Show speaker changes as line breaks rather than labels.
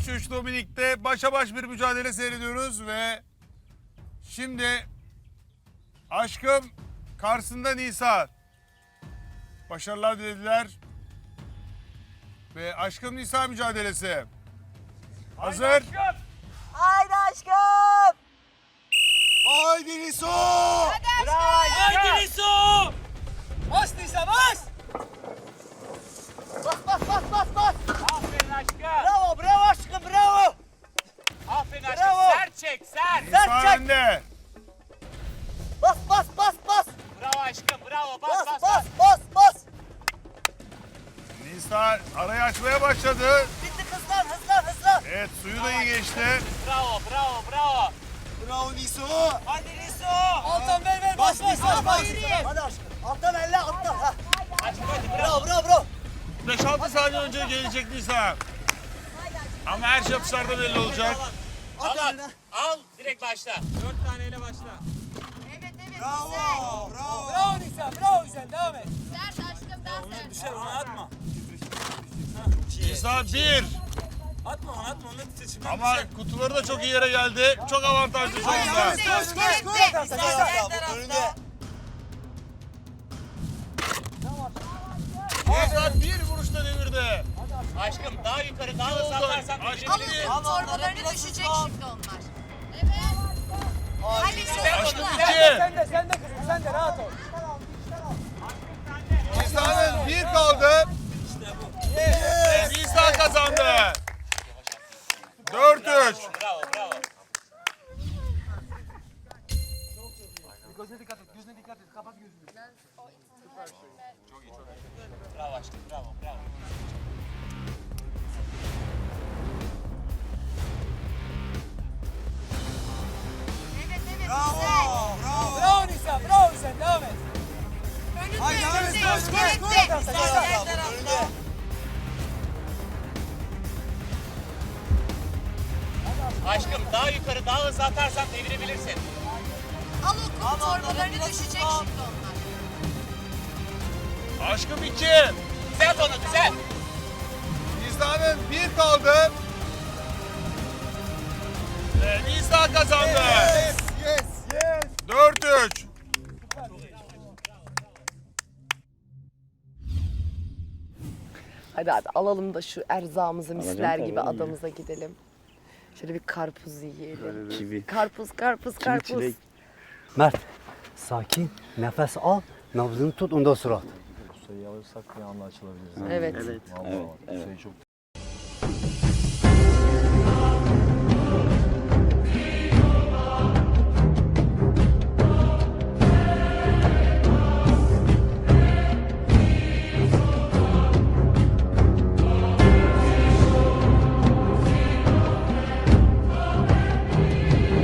3 Dominik'te başa baş bir mücadele seyrediyoruz ve şimdi Aşkım karşısında Nisa. Başarılar dilediler. Ve Aşkım Nisa mücadelesi. Hazır.
Haydi aşkım.
Haydi Nisa.
Haydi Niso! Bas Nisa bas!
Bas bas bas bas bas.
Aferin aşkım.
Bravo bravo aşkım bravo.
Aferin aşkım.
Bravo.
Sert çek sert.
Nisa
çek.
önde.
Bas bas bas bas.
Bravo aşkım bravo bas
Bas
bas
bas
bas.
bas bas.
Nisa arayı açmaya başladı.
Bitti hızlan hızlan hızlan.
Evet suyu da iyi geçti.
Bravo bravo bravo.
Bravo Nisa.
Hadi Niso. Altan ver bas bas bas.
Hadi aşkım. Alttan elle alttan. Ha.
Aşkım hadi bravo.
Bravo bravo bravo.
5-6 saniye önce gelecek Nisa. Ama her şey atışlarda belli olacak.
Al al. Al direkt başla. 4 taneyle başla.
Evet evet
Bravo,
güzel.
bravo.
Bravo Nisa bravo güzel devam et.
Sert aşkım daha sert.
Düşer onu atma.
Nisa 1.
Atma onu atma onu titreşim.
Ama kutuları da çok iyi yere geldi. Çok avantajlı şu anda. Nisa bir vuruşta devirdi.
Aşkım daha yukarı daha hızlı atarsan
Aşkım
Alın
bir.
torbalarını düşecek şimdi onlar. Evet. Hadi
Güzel
Aşkım
oldu.
2.
Sen de kızım sen de rahat ol.
Nisa'nın 1 kaldı. Nisa kazandı. 4-3.
Bravo bravo.
Gözüne dikkat et, gözüne dikkat et. Kapat gözünü.
Bravo aşkım bravo bravo.
Evet evet güzel.
Bravo Nisa bravo güzel devam et.
Önünde önünde.
Aşkım daha yukarı daha hızlı atarsan devirebilirsin.
Al o kum torbalarını düşecek şimdi onlar.
Aşkım 2.
Düzelt onu düzelt.
Nisa'nın 1 kaldı. Ve Nisa kazandı. 4-3.
Hadi hadi alalım da şu erzağımızı misler gibi adamıza gidelim. Şöyle bir karpuz yiyelim.
Kivi.
Karpuz, karpuz, karpuz.
çilek. Mert, sakin, nefes al, nabzını tut, ondan sonra at.
Kusayı alırsak bir anda açılabiliriz.
Evet.
Evet,
Vallahi
evet,
bak,
evet.
Kusayı çok